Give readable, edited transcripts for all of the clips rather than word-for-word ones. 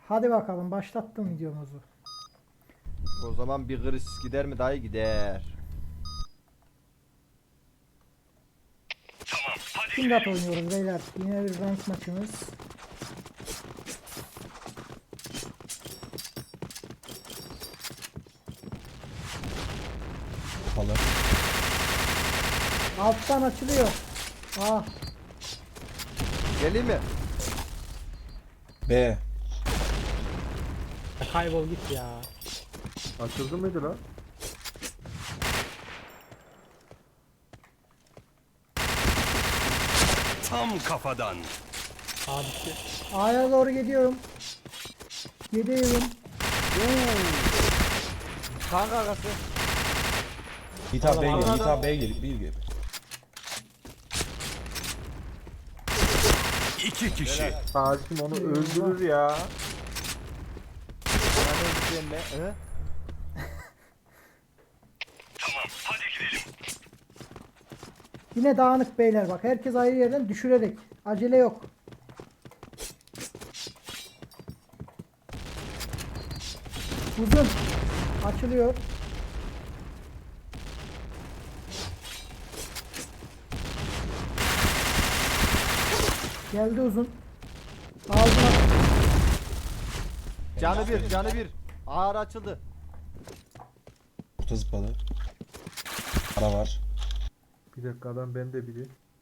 Hadi bakalım başlattım videomuzu. O zaman bir gris gider mi dayı gider. Kindat oynuyoruz beyler. Yine bir rank maçımız. Kapalı. Alttan açılıyor. Ah, Geleyim mi? B. Kaybol git ya. Açıldı mıydı lan? Tam kafadan. Abisi. A'ya doğru gidiyorum. Gidiyorum. Kanka arkası. Yiğit abi B'ye gel. Allah. Yiğit abi B'ye gel. Bir gel. İki kişi. Hakim onu öldürür ya. Bana ne diyeceğim be? Hı? Yine dağınık beyler bak. Herkes ayrı yerden düşürerek. Acele yok. Uzun. Açılıyor. Geldi uzun. Ağzına. Canı bir, canı bir. Ağır açıldı. Orta zıpladı. Ara var. Bir dakika adam bende biri.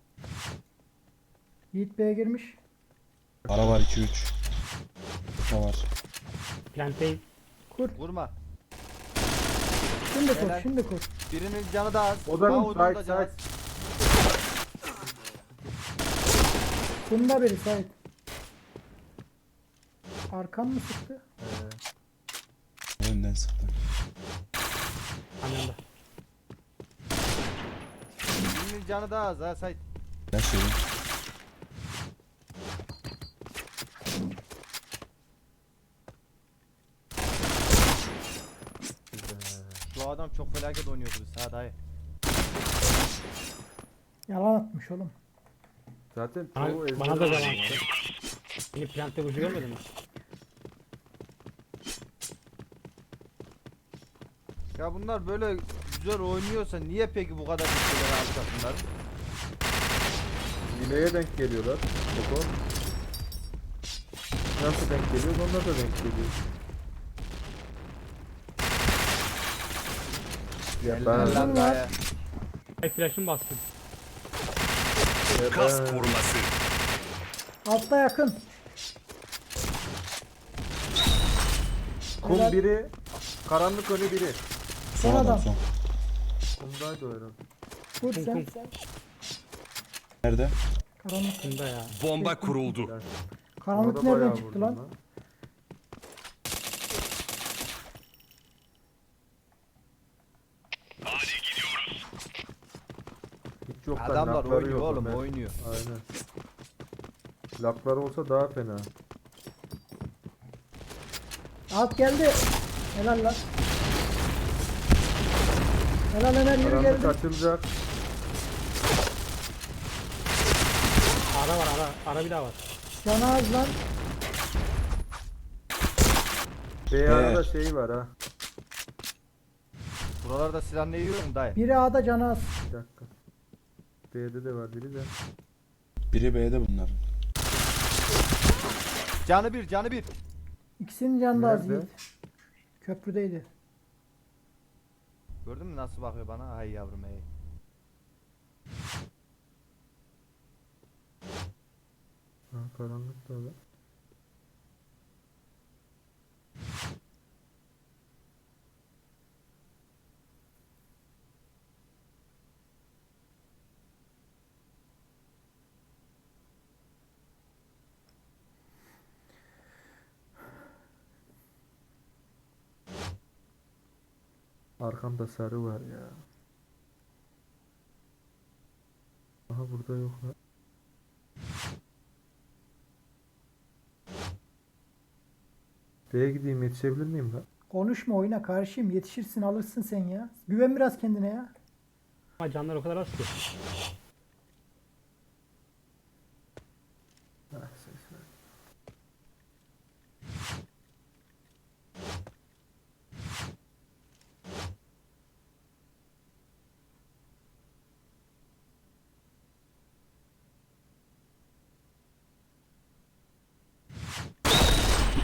Yiğit B'ye girmiş. Ara var 2-3. Orta var. Plantey. Kur. Vurma. Şimdi kur. Helal. Şimdi kur. Birinin canı da az. O da mı? Mahmut'un da Sait, canı az. sait. Bunda biri Sait. Arkan mı sıktı? Önden sıktı. Annemde. Birinin canı da az ha Sait. Flash yedim. Şu adam çok felaket oynuyordu biz ha dayı. Yalan atmış oğlum. Zaten Bana, çoğu ezber bana da oynuyor. zaman attı. Beni plantey vuruşu görmedin mi? Ya bunlar böyle güzel oynuyorsa niye peki bu kadar güçlüleri alacak bunların? Hileye denk geliyorlar. Koko. Nasıl denk geliyor? Onlar da denk geliyor. Ya Helal ben, lan dayı. Ay flash'ım bastım. ya Kas ben koruması. Altta yakın. kum biri, karanlık önü biri. Son Son adam adam. son. Kumdaydı o herhalde. Kur Kum, sen kum. sen. Nerede? Karanlık. Bunda ya. Bomba kuruldu. Karanlık Ona da nereden bayağı çıktı vurdum lan? Hiç yok lan, Adamlar lakları oynuyor yok oğlum Ömer. oynuyor. Aynen. Laklar olsa daha fena. Alt geldi. Helal lan. Helal Ömer yürü Karanlık geldi. açılacak. Ara var ara. Ara bir daha var. Canı az lan. Beyarada şey var ha. Buralarda silah ne yiyor mu dayı? Biri A'da canı az. Bir dakika. B'de de var biri de. Biri B'de bunlar. Canı bir, canı bir. İkisinin canı da az Nerede? Yiğit. Köprüdeydi. Gördün mü nasıl bakıyor bana? Ay yavrum ey. Ha, karanlık da var. Arkamda sarı var ya. Aha burada yok lan. B'ye gideyim, yetişebilir miyim lan? Konuşma oyna karşıyım. Yetişirsin alırsın sen ya. Güven biraz kendine ya. Ama canlar o kadar az ki. Ah, ses ver.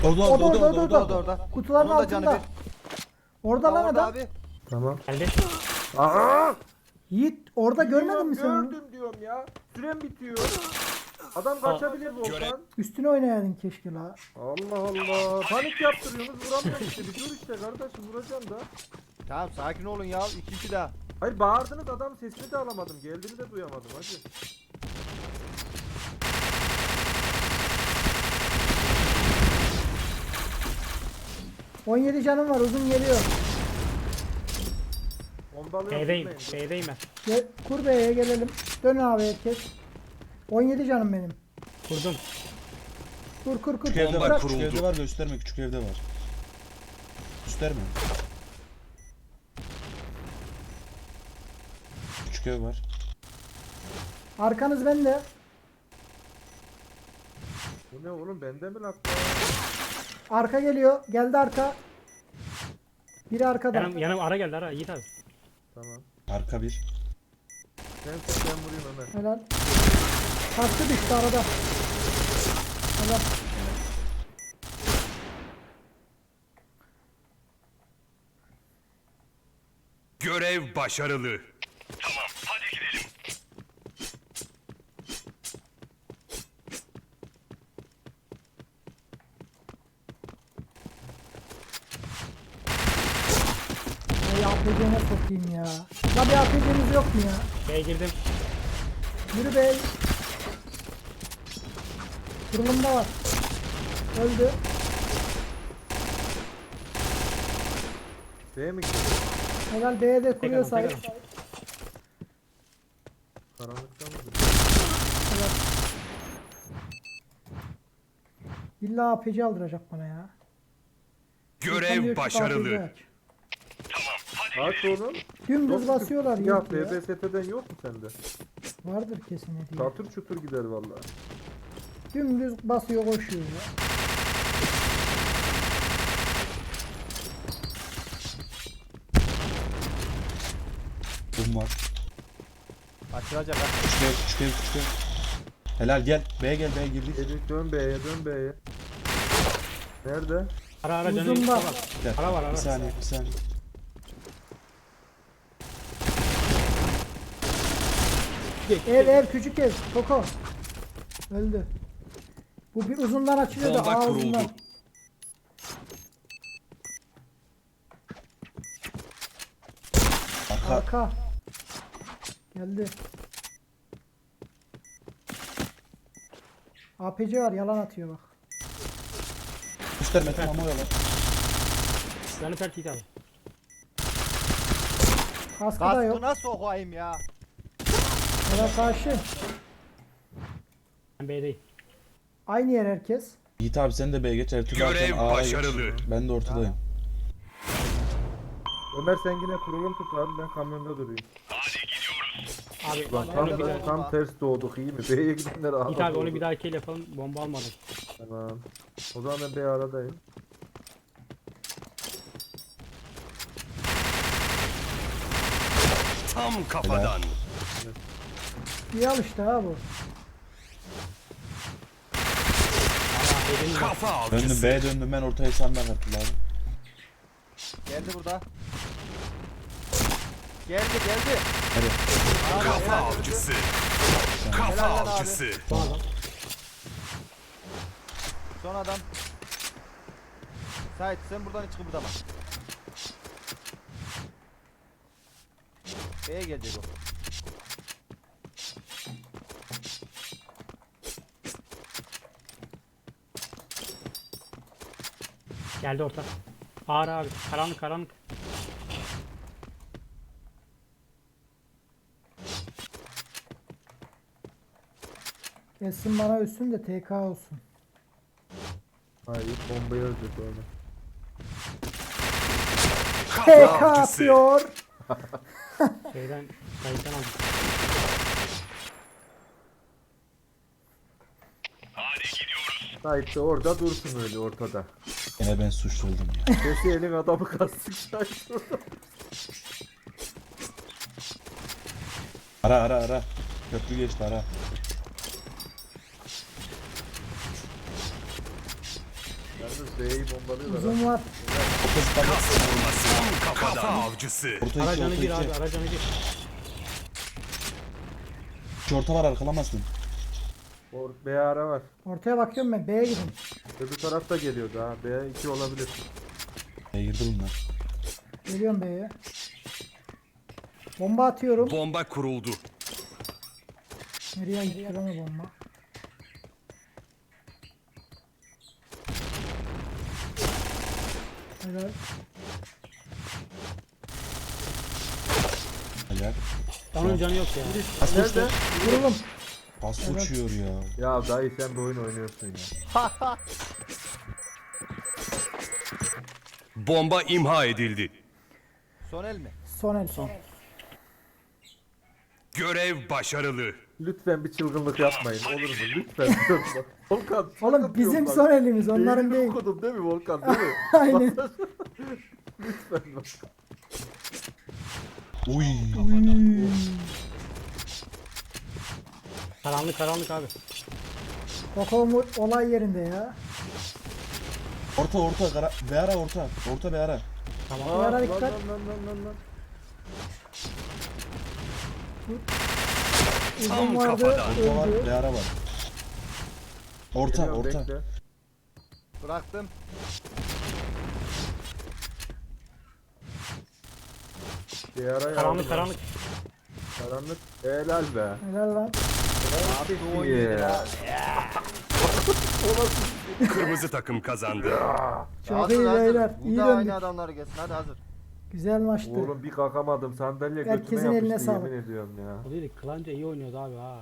Orada O da orada orada orada. orada, orada. Kutuların Onun da canı altında. Orada lan Orada adam. abi. Tamam. Geldi. Aa! Yiğit orada görmedin mi sen? onu? Gördüm diyorum ya. Sürem bitiyor. Adam kaçabilir Volkan. Üstüne oynayaydın keşke la. Allah Allah. Panik yaptırıyorsunuz vuramıyorum işte. Bir dur işte kardeşim vuracağım da. Tamam sakin olun ya. 2-2 daha. Hayır bağırdınız adam sesini de alamadım. Geldiğini de duyamadım hacı. ...17 canım var, uzun geliyor. Bombalıyorum B'deyim. tutmayın. B'deyim ben. Gel, kur B'ye gelelim. Dön abi herkes. 17 canım benim. Kurdum. Kur. Küçük evde Bomba var. kuruldu. Küçük evde var. Gösterme. Küçük evde var. Gösterme. Küçük ev var. Arkanız bende. Bu ne oğlum bende mi lan? Arka geliyor. Geldi arka. Biri arkada. Yanım ara geldi ara. Yiğit abi. Tamam. Arka bir. Sen tut ben vurayım Ömer. Helal. Kaçtı düştü arada. Helal. Görev başarılı. Ay APC'ne sokayım ya. La bir APC'niz yok mu ya? B'ye girdim. Yürü bey. Kurulumda var. Öldü. B'ye mi gidiyor? Helal B'ye de kuruyor Tek sahip. adam. Karanlıkta mı? Helal. İlla APC aldıracak bana ya. İnsan diyor Görev ki başarılı. APC aç. Aç oğlum. Dümdüz basıyorlar Ya Yiğit ya. BBST'den yok mu sende? Vardır kesin hediye. Çatır çutur gider vallahi. Dümdüz basıyor koşuyor ya. Bum var. Açılacak ha. Küçük ev. Küçük ev. Küçük ev. Helal gel. B'ye gel. B'ye girdik. Edik dön B'ye dön B'ye. Nerede? Ara canı. Uzun var. Gel. Ara var, ara. Bir saniye. Bir saniye. Ev küçük ev. Koko. Öldü. Bu bir uzundan açılıyor da Bomba ağzından. kuruldu. Arka. Arka. Geldi. APC var yalan atıyor bak. Gösterme tamam oyalar. Canı pert Yiğit abi. Kaskı da yok. Kaskına sokayım ya. Helal karşı. Ben B'deyim. Aynı yer herkes. Yiğit abi sen de B'ye geç. Ertuğrul Görev abi A'ya geç. başarılı. Ben de ortadayım. Ömer sen yine kurulum tut abi ben kamyonda durayım. Abi Lan onu tam, bir daha. tam ters doğduk iyi mi? B'ye gidenler ağladı. Yiğit abi onu bir daha kill yapalım. Bomba almadım. Tamam. O zaman ben B aradayım. Tam kafadan. İyi al işte ha bu. Kafa Döndüm avcısı. B'ye döndüm ben ortaya sandan Ertuğrul abi. Geldi burada. Geldi. Hadi. Abi, Kafa helal avcısı. Helal Kafa lan abi. avcısı. Son adam. Son adam. Sait sen buradan hiç kıpırdama. B'ye gelecek o. Geldi orta. Ağır abi. Karanlık karanlık. Kesin bana üstün de TK olsun. Hayır bombayı ölecek öyle. Kafa TK avcısı. atıyor. Şeyden kayıttan aldım. Sait de orada dursun öyle ortada. Yine ben suçlu oldum ya. Sesi elin adamı kastık Sait orada. Ara. Köprü geçti ara. Yalnız B'yi bombalıyorlar. Uzun var. Kas vurması. Kafa avcısı. Orta Ara iki, canı orta bir iki. abi. Ara canı bir. İki orta var arkalamazsın. B ara var. Ortaya bakıyorum ben. B'ye gidin. Öbür taraf da geliyordu ha. B2 olabilir. Girdi bunlar. Geliyorum B'ye. Bomba atıyorum. Bomba kuruldu. Nereye gitti lan o bomba? Helal. Helal. Onun canı yok ya. Pas Nerede? uçtu. Vuralım. Pas uçuyor ya. Ya dayı sen bir oyun oynuyorsun ya. Bomba imha edildi. Son el mi? Son el son. Görev başarılı. Lütfen bir çılgınlık yapmayın olur mu? Lütfen. Volkan. Oğlum bizim son elimiz onların Beynini değil. okudum değil mi Volkan değil mi? Aynen. Lütfen bak. Uy. Karanlık karanlık abi. Kokomu olay yerinde ya. Orta orta. Be ara orta. Orta be ara. Tamam. Bir ara Lan, dikkat. lan, lan. Uzun Tam vardı. kafadan. Orta var. Öldü. Be ara var. Orta Geliyorum, orta. bekle. Bıraktım. Bir ara Karanlık karanlık. Karanlık. Helal be. Helal lan. Abi ya. Kırmızı takım kazandı. Çok Hazır, iyi hazır. beyler. Bu İyi da döndük. aynı adamlar gelsin. Hadi hazır. Güzel maçtı. Oğlum bir kalkamadım sandalye Herkesin götüme eline yapıştı sağlık. yemin ediyorum ya. O değil, Klanca iyi oynuyordu abi ha.